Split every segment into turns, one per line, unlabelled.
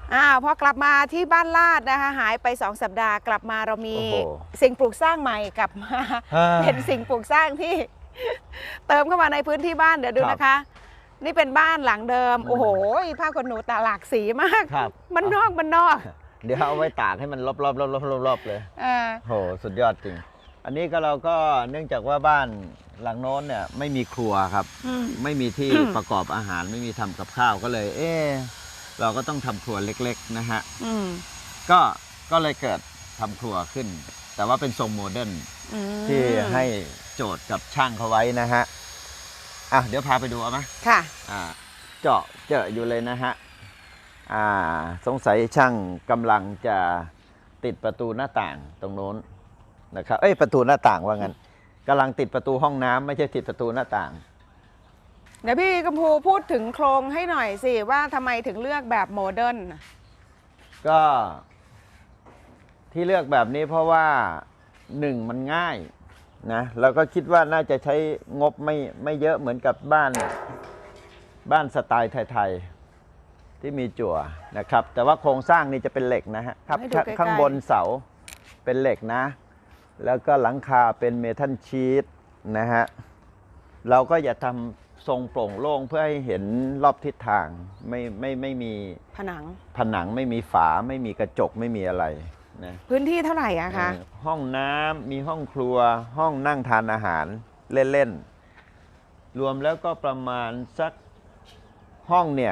พอกลับมาที่บ้านลาดนะคะหายไป2 สัปดาห์กลับมาเรามี
โอ้โห
สิ่งปลูกสร้างใหม่กลับมา เป็นสิ่งปลูกสร้างที่ เติมเข้ามาในพื้นที่บ้านเดี๋ยวดูนะคะ นี่เป็นบ้านหลังเดิมโอ้โหผ้าขนหนูตาหลากสีมาก
ครับ
มันนอก
เดี๋ยวเอาไว้ตากให้มันรอบๆเลยโหสุดยอดจริง อันนี้ก็เราก็เนื่องจากว่าบ้านหลังโน้นเนี่ยไม่มีครัวครับ ไม่มีที่ประกอบอาหารไม่มีทำกับข้าวก็เลย เราก็ต้องทำครัวเล็กๆนะฮะก็เลยเกิดทำครัวขึ้น แต่ว่าเป็นทรงโมเดิร์นที่ให้โจทย์กับช่างเขาไว้นะฮะเดี๋ยวพาไปดูเอาไหม
ค่ะ
เจาะอยู่เลยนะฮะสงสัยช่างกำลังจะติดประตูหน้าต่างตรงโน้นนะครับประตูหน้าต่างว่างั้นกำลังติดประตูห้องน้ำไม่ใช่ติดประตูหน้าต่าง
เดี๋ยวพี่กัมพูพูดถึงโครงให้หน่อยสิว่าทำไมถึงเลือกแบบโมเดิร์น
ก็ที่เลือกแบบนี้เพราะว่ามันง่ายนะแล้วก็คิดว่าน่าจะใช้งบไม่เยอะเหมือนกับบ้านสไตล์ไทยๆที่มีจั่วนะครับแต่ว่าโครงสร้างนี่จะเป็นเหล็กนะฮะครับข้างบนเสาเป็นเหล็กนะแล้วก็หลังคาเป็นเมทัลชีทนะฮะเราก็อย่าทำทรงโปร่งโล่งเพื่อให้เห็นรอบทิศทางไม่มีผนังไม่มีฝาไม่มีกระจกไม่มีอะไรนะ
พื้นที่เท่าไหร่อะคะ
ห้องน้ำมีห้องครัวห้องนั่งทานอาหารเล่นๆรวมแล้วก็ประมาณสักห้องเนี่ย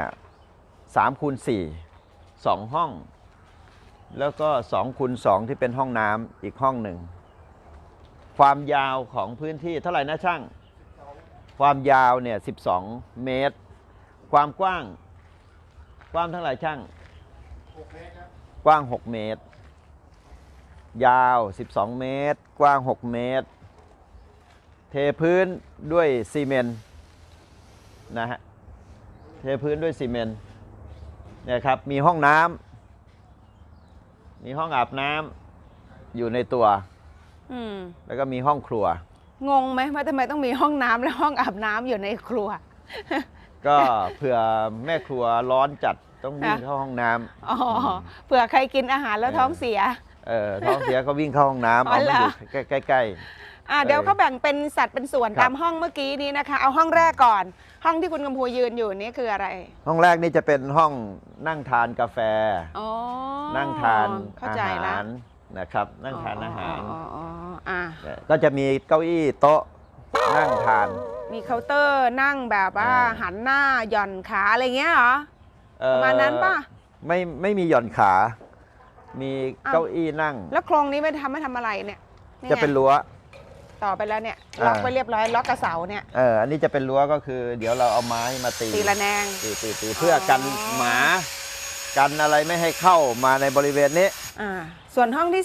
3x4 2 ห้องแล้วก็2x2ที่เป็นห้องน้ำอีกห้องหนึ่งความยาวของพื้นที่เท่าไหร่นะช่างความยาวเนี่ย12 เมตรความกว้างเท่าไหร่ช่าง
6 เมตรครับ
กว้าง6 เมตรยาว12 เมตรกว้าง6 เมตรเทพื้นด้วยซีเมนต์นะฮะเทพื้นด้วยซีเมนต์เนี่ยครับมีห้องน้ำมีห้องอาบน้ำอยู่ในตัวแล้วก็มีห้องครัว
งงไหมว่าทำไมต้องมีห้องน้ำและห้องอาบน้ำอยู่ในครัว
ก็เผื่อแม่ครัวร้อนจัดต้องวิ่งเข้าห้องน้
ำเผื่อใครกินอาหารแล้วท้องเสีย
ท้องเสียก็วิ่งเข้าห้องน้ำเอามาอยู่ใกล้
เดี๋ยวเขาแบ่งเป็นสัดเป็นส่วนตามห้องเมื่อกี้นี้นะคะเอาห้องแรกก่อนห้องที่คุณกำพูยืนอยู่นี่คืออะไร
ห้องแรกนี่จะเป็นห้องนั่งทานกาแฟนั่งทานอาหารนะครับนั่งทานอาหารก็จะมีเก้าอี้โต๊ะนั่งทาน
มีเคาน์เตอร์นั่งแบบว่าหันหน้าหย่อนขาอะไรเงี้ยเหรอประมาณนั้นป่ะ
ไม่มีหย่อนขามีเก้าอี้นั่ง
แล้วโครงนี้ไม่ทำอะไรเนี่ย
จะเป็นรั้ว
ต่อไปแล้วเนี่ยล็อกไปเรียบร้อยล็อกกระเสาเนี่ย
อันนี้จะเป็นรั้วก็คือเดี๋ยวเราเอาไม้มาตี
ระแนง
ตีเพื่อกันหมากันอะไรไม่ให้เข้ามาในบริเวณนี้
ส่วนห้องที่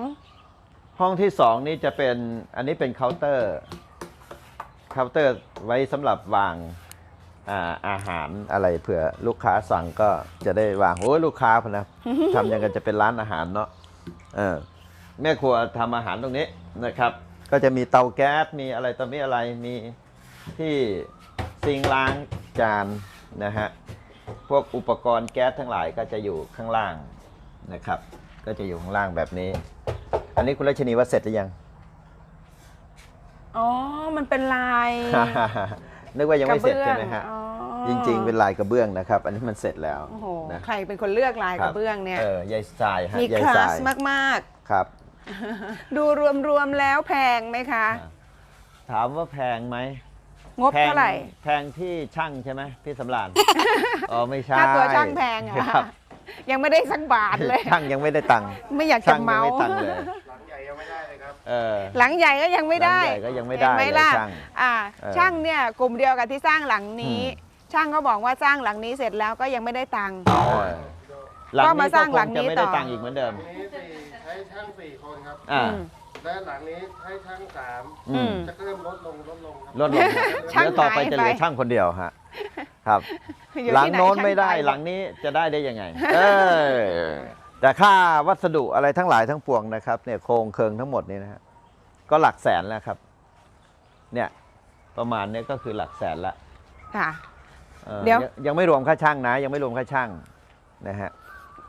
2นี่จะเป็นอันนี้เป็นเคาน์เตอร์ไว้สำหรับวางอาหารอะไรเผื่อลูกค้าสั่งก็จะได้วางโอ้ยลูกค้าพนะทำยังไงจะเป็นร้านอาหารเนาะแม่ครัวทำอาหารตรงนี้นะครับก็จะมีเตาแก๊สมีอะไรต่อมีอะไรมีที่ซิงค์ล้างจานนะฮะพวกอุปกรณ์แก๊สทั้งหลายก็จะอยู่ข้างล่างนะครับก็จะอยู่ข้างล่างแบบนี้อันนี้คุณรัชนีว่าเสร็จหรือยัง
มันเป็นลาย
นึกว่ายังไม่เสร็จใช่ไหมฮะจริงๆเป็นลายกระเบ
นะครับ
อันนี้มันเสร็จแล้ว
นะใครเป็นคนเลือกลายกระเบื้องเนี่ย
ยายทราย
มีคลาสมาก
ๆครับ
ดูรวมแล้วแพงไหมคะ
ถามว่าแพงไหม
งบเท่าไหร่
แพงที่ช่างใช่ไหมพี่สำราญไม่ใช่
ค่าตัวช่างแพงเหรอยังไม่ได้สักบาทเลย
ช่างยังไม่ได้ตังค์
ไม่อยากจะเมา
หลังใหญ่ยังไม่ได้เลยครับ
หลังใหญ่ก็ยังไม่ได้
ก็ยังไม่ได้
เลยช่างเนี่ยกลุ่มเดียวกับที่สร้างหลังนี้ช่างก็บอกว่าสร้างหลังนี้เสร็จแล้วก็ยังไม่ได้ตังค์ก็มาสร้างหลังนี้ต่อ
ไม่ได้ตังค์อีกเหมือนเดิม
ใช้ช่าง4 คนครับและหลังนี้ให้ช่าง3จะเริ่มลดลงครับ
ลดลงเดี๋ยวต่อไปจะเหลือช่างคนเดียวฮะครับหลังโน้นไม่ได้หลังนี้จะได้ยังไงแต่ค่าวัสดุอะไรทั้งหลายทั้งปวงนะครับเนี่ยโครงเคิงทั้งหมดนี่นะฮะก็หลักแสนแล้วครับเนี่ยประมาณนี้ก็คือหลักแสนละ
ค่ะ
เดี๋ยวยังไม่รวมค่าช่างนะยังไม่รวมค่าช่างนะฮะ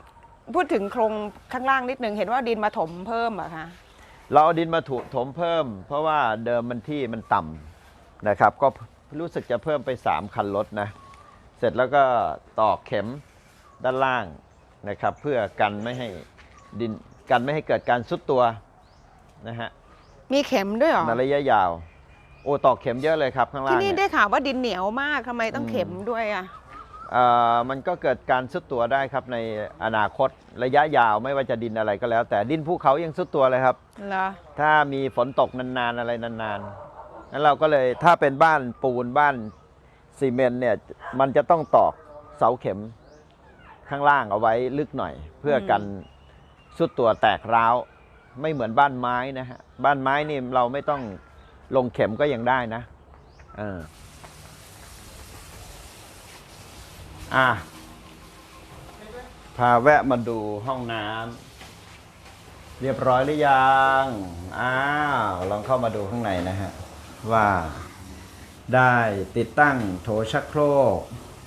พูดถึงโครงข้างล่างนิดนึงเห็นว่าดินมาถมเพิ่มเหรอคะ
เราเอาดินมาถมเพิ่ม เพราะว่าเดิมมันที่มันต่ำนะครับ ก็รู้สึกจะเพิ่มไป3คันรถนะเสร็จแล้วก็ตอกเข็มด้านล่างนะครับ เพื่อกันไม่ให้ดินกันไม่ให้เกิดการซุดตัวนะฮะ
มีเข็มด้วยเหรอ
ในระยะยาว โอ้ตอกเข็มเยอะเลยครับข้างล่าง
ที่นี่
เนี่ย
ได้ข่าวว่าดินเหนียวมากทำไมต้องเข็มด้วยอ่ะ
มันก็เกิดการซุดตัวได้ครับในอนาคตระยะยาวไม่ว่าจะดินอะไรก็แล้ว แต่ดินภูเขายังซุดตัวเลยครับ
เหรอ
ถ้ามีฝนตกนานๆอะไรนานๆนั้นเราก็เลยถ้าเป็นบ้านปูนบ้านซีเมนต์เนี่ยมันจะต้องตอกเสาเข็มข้างล่างเอาไว้ลึกหน่อย เพื่อกันซุดตัวแตกร้าวไม่เหมือนบ้านไม้นะฮะบ้านไม้นี่เราไม่ต้องลงเข็มก็ยังได้นะพาแวะมาดูห้องน้ำเรียบร้อยหรือยังลองเข้ามาดูข้างในนะฮะว่าได้ติดตั้งโถชักโครก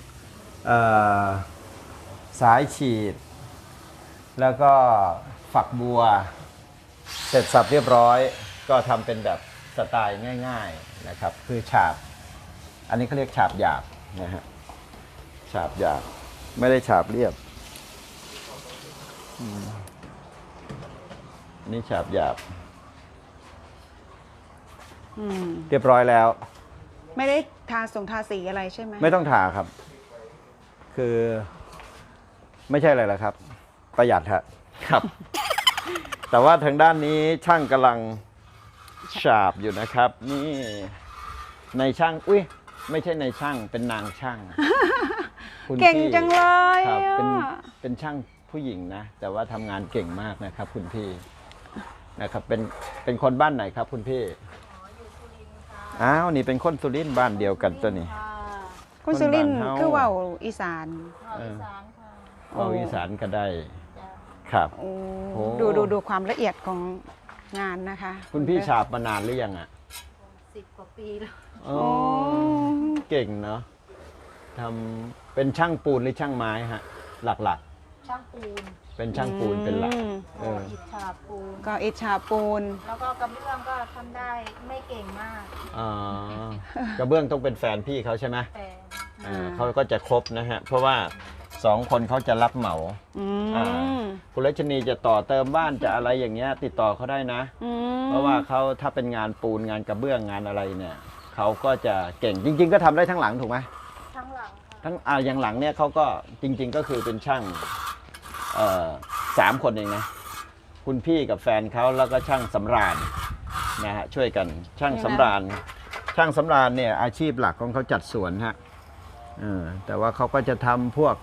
สายฉีดแล้วก็ฝักบัวเสร็จสับเรียบร้อยก็ทำเป็นแบบสไตล์ง่ายๆนะครับคือฉาบอันนี้เขาเรียกฉาบหยาบนะฮะฉาบหยาบไม่ได้ฉาบเรียบนี่ฉาบหยาบเรียบร้อยแล้ว
ไม่ได้ทาสีอะไรใช่ไหม
ไม่ต้องทาครับ คือไม่ใช่อะไรหรอกครับ ประหยัดครับ แต่ว่าทางด้านนี้ช่างกำลังฉาบอยู่นะครับ นี่ในช่างไม่ใช่ในช่างเป็นนางช่าง คุณ
เก่ง
พี่
จังเลย
ครับ
อะ
เป็นช่างผู้หญิงนะ แต่ว่าทำงานเก่งมากนะครับ คุณพี่นะครับเป็นคนบ้านไหนครับ คุณพี่นี่เป็นคนสุรินทร์บ้านเดียวกันตัวนี้
คุณสุรินทร์
คนบ้านเฮา
คือว่าอีสาน
เอาอีสานก็ได้ครับ
โอ้
โอ้
ดูความละเอียดของงานนะคะ
คุณพี่ฉาบมานานหรือยังอ่ะ
10 กว่าปีแล้ว
อ๋อเก่งเนาะทำเป็นช่างปูนหรือช่างไม้ฮะ หลัก
ช่างปูน
ๆ เป็นช่างปูนเป็นหลัก เอ
ก่อ
อ
อิฐฉาบปูน
ก็อิชาปูน
แล้วก็กระเบื้องก็ทำได้ไม่เก่งมาก
กระเบื้องต้องเป็นแฟนพี่เขาใช่ไหม
แต่
เขาก็จะครบนะฮะ เพราะว่า2 คนเขาจะรับเหมา อ่า คุณรัชนีจะต่อเติมบ้านจะอะไรอย่างเงี้ยติดต่อเขาได้นะ เพราะว่าเขาถ้าเป็นงานปูนงานกระเบื้องงานอะไรเนี่ยเขาก็จะเก่งจริง ๆ ก็ทำได้ทั้งหลังถูกไหม
ทั้งหลังค่ะ
ทั้งอย่างหลังเนี่ยเขาก็จริง ๆ ก็คือเป็นช่าง3 คนเองนะคุณพี่กับแฟนเขาแล้วก็ช่างสำราญนะฮะช่วยกันช่างสำราญเนี่ยอาชีพหลักของเขาจัดสวนฮะแต่ว่าเขาก็จะทำพวก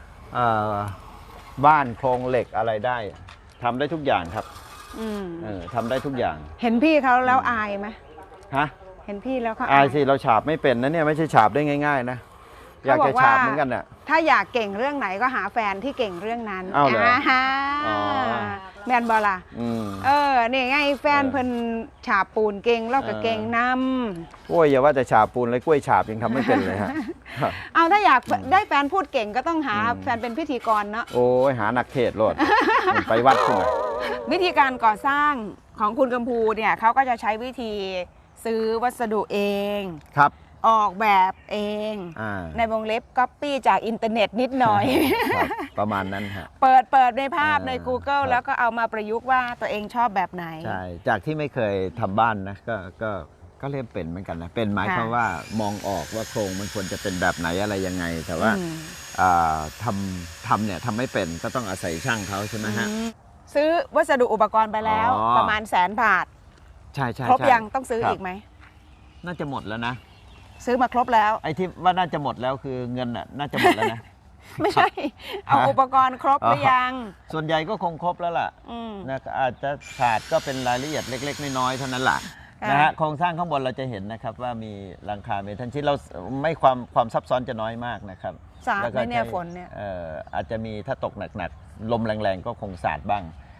บ้านโครงเหล็กอะไรได้ทำได้ทุกอย่างครับทำได้ทุกอย่าง
เห็นพี่เขาแล้วอายไหม
ฮะ
เห็นพี่แล้วเขา
อายสิเราฉาบไม่เป็นนะเนี่ยไม่ใช่ฉาบได้ง่าย ๆ นะอยากจะฉาบเหมือนกันน่ะ
ถ้าอยากเก่งเรื่องไหนก็หาแฟนที่เก่งเรื่องนั้น
อ้าวเหรอ
ฮะ
อ๋อ
แมนบอล่ะ นี่ไงแฟนเพิ่นฉาบปูนเก่งแล้วก็เก่งนำ
โอ้ยอย่าว่าแต่ฉาบปูนเลยกล้วยฉาบยังทำไม่เป็นเลยฮะ
เอาถ้าอยากได้แฟนพูดเก่งก็ต้องหาแฟนเป็นพิธีกรเนาะ
โอ้ยหานักเทศน์โลด ไปวัดขึ้นมา
วิธีการก่อสร้างของคุณกัมพูเนี่ยเขาก็จะใช้วิธีซื้อวัสดุเอง
ครับ
ออกแบบเอง ในวงเล็บก๊อปปี้จากอินเทอร์เน็ตนิดหน่อย
ครับประมาณนั้นฮะ
เปิดในภาพใน Google
ครับ
แล้วก็เอามาประยุกต์ว่าตัวเองชอบแบบไหน
ใช่จากที่ไม่เคยทำบ้านนะก็เรียกเป็นเหมือนกันนะเป็นหมายความว่ามองออกว่าโครงมันควรจะเป็นแบบไหนอะไรยังไง แต่ว่าทำเนี่ยทำไม่เป็นก็ต้องอาศัยช่างเขาใช่ไหมฮะ
ซื้อวัสดุอุปกรณ์ไปแล้ว
อ๋อ
ประมาณ100,000 บาท
ใช่
ครบ
ใช่
ยังต้องซื้อ
ครับ
อีกไหม
น่าจะหมดแล้วนะ
ซื้อมาครบแล้ว
ไอ้ที่ว่าน่าจะหมดแล้วคือเงินน่ะน่าจะหมดแล้วนะ
ไม่ใช่ เอาอุปกรณ์ครบหรือยัง
ส่วนใหญ่ก็คงครบแล้วล่ะ
ม
นะอาจจะขาดก็เป็นรายละเอียดเล็กๆน้อยๆเท่านั้นแหละ
ค่ะ
นะฮะโครงสร้างข้างบนเราจะเห็นนะครับว่ามีหลังคาเมทัลชีทเราไม่ความซับซ้อนจะน้อยมากนะครับ
สาด
แล้ว
ไห
ก็
มเนี่ย
ใช้
ฝนเนี่ย
อาจจะมีถ้าตกหนักๆลมแรงๆก็คงสาดบ้าง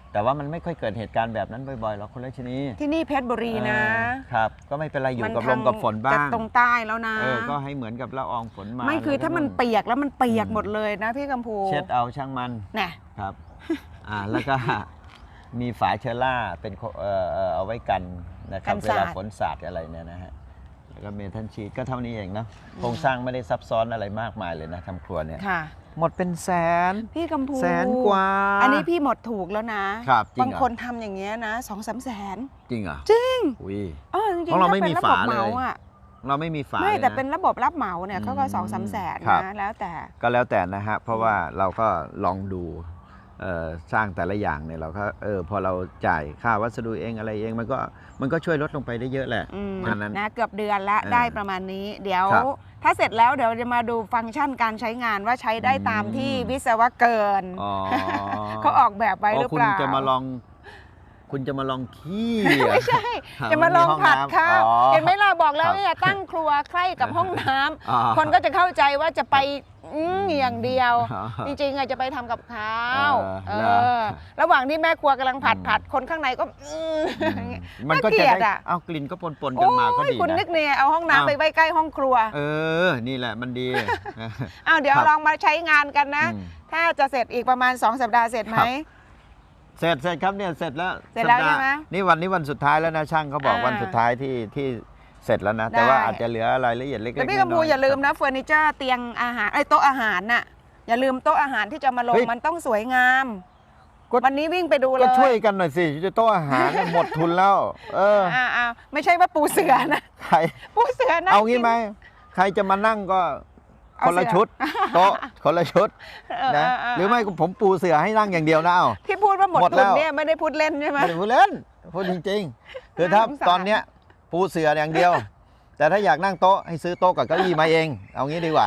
แต่ว่ามันไม่ค่อยเกิดเหตุการณ์แบบนั้นบ่อยๆหรอกคุณรัชนี
ที่นี่เพชรบุรีนะ
ครับก็ไม่เป็นไรอยู่กับ
มัน
ลมกับฝนบ้าง
จะตรงใต้แล้วนะ
ก็ให้เหมือนกับละอองฝนมา
ไม่คือถ้ามันเปียกแล้วมันเปียกหมดเลยนะพี่กัมพู
เช็ดเอาช่างมัน
น่ะ
ครับ แล้วก็ มีฝาเชอร่าเป็นเอาไว้กันนะครับเวลาฝนสาดอะไรเนี่ยนะฮะแล้วก็เมทัลชีทก็เท่านี้เองเนาะโครงสร้างไม่ได้ซับซ้อนอะไรมากมายเลยนะทำครัวเนี่ย
ค่ะ
หมดเป็นแสน
พี่กัมพู
แสนกว่า
อันนี้พี่หมดถูกแล้วนะครับ
จริง
บาง
เหรอ
คนทำอย่างเงี้ยนะ2-3 แสน
จริงเหรอ
จริง
อุ้ย
จริง
เพราะเราไม่
ถ้
มี
ป็น
ฝา
ระบบ
เลย
หมาอะ
เราไม่มีฝา
ไม่
ลย
แต่
นะ
เป็นระบบรับเหมาเนี่ยเขาก็2-3 แสน
ครับ
นะแล้วแต่
ก็แล้วแต่นะฮะ เพราะว่าเราก็ลองดูสร้างแต่ละอย่างเนี่ยเราก็พอเราจ่ายค่าวัสดุเองอะไรเองมันก็ช่วยลดลงไปได้เยอะแหละ อันนั้น
นะเกือบเดือนละ ได้ประมาณนี้ เดี๋ยว
ครับ
ถ้าเสร็จแล้วเดี๋ยวจะมาดูฟังก์ชันการใช้งานว่าใช้ได้ตามที่วิศวกร
อ๋อ
เขาออกแบบไว้หรือ
คุ
เป
ณ
ล่า
จะมาลอง คุณจะมาลองขี้เหรอ
ไม่ใช่ จะมาลองผัดข้าว
อ๋อ
เห็นไหมล่ะบอกแล้
คว รับ
เนี่ยตั้งครัวใกล้กับห้องน้ำ
อ๋อ
คนก็จะเข้าใจว่าจะไปอย่างเดียว
อ๋อ
จริงๆอะจะไปทำกับข้าว
เหรอ
ระหว่างที่แม่ครัวกำลังผัดคนข้างในก็
มันก็
น่าเกลี
จะ
ยด
ได้
อะ
เอากลิ่นก็ปนๆกันมาก็
โอ้ย
ดี
คุณนึ
นะ
กเนี่ยเอาห้องน้ำไปไว้ใกล้ห้องครัว
นี่แหละมันดี
อ้าวเดี๋ยว
ครับ
ลองมาใช้งานกันนะ
อืม
ถ้าจะเสร็จอีกประมาณ2 สัปดาห์เสร็จไหม
ครับ เสร็จครับเนี่ยเสร็จแล้ว
เสร็จแล้ว
สัปดา
ใช่ไหม
นี่วันสุดท้ายแล้วนะช่างเขาบอก
อ่า
วันสุดท้ายที่เสร็จแล้วนะ แต่ว่า
ได้
อาจจะเหลือรายละเอียดเล็กๆ
แต่พี่กัมพู
น้ๆ
อย่าลืมนะเฟอร์นิเจอร์เตียงอาหารโต๊ะอาหารน่ะอย่าลืมโต๊ะอาหารที่จะมาลง
เฮ้ย
มันต้องสวยงาม
ก็
วันนี้วิ่งไปดูเล
ก็
ย
ช่วยกันหน่อยสิจะโต๊ะอาหารเนี่ยหมดทุนแล้ว
ไม่ใช่ว่าปูเสือนะ
ใคร
ปูเสือนะ
เอางี้ไหมใครจะมานั่งก็
เอา
คนละ
เสือ
ชุด โต๊ะคนละชุด
เ
นะหรือไม่ผมปูเสือให้นั่งอย่างเดียวนะเอา
ที่พูดว่าหมด
หมดแล้
ทุน
ว
เนี่ยไม่ได้พูดเล่นใช่ไหม
ไม่ได้พูดเล่นพูดจริงๆคือถ้า
น่าสงสาร
ตอนเนี้ยปูเสืออย่างเดียว แต่ถ้าอยากนั่งโต๊ะให้ซื้อโต๊ะกับเก้าอี้มาเอง เอางี้ดีกว่า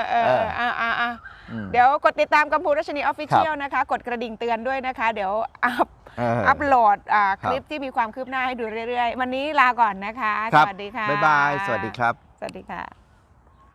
ม
เดี๋ยวกดติดตามกัมพูรัชนีออฟฟิเชียล
ครับ
นะคะ กดกระดิ่งเตือนด้วยนะคะ เดี๋ยว
เออ
อัพโหลดคลิป
ครับ
ที่มีความคืบหน้าให้ดูเรื่อยๆ วันนี้ลาก่อนนะคะ
ครั
สวัสดีค่ะ
บ๊ายบาย สวัสดีครับ
สวัสดีค่ะ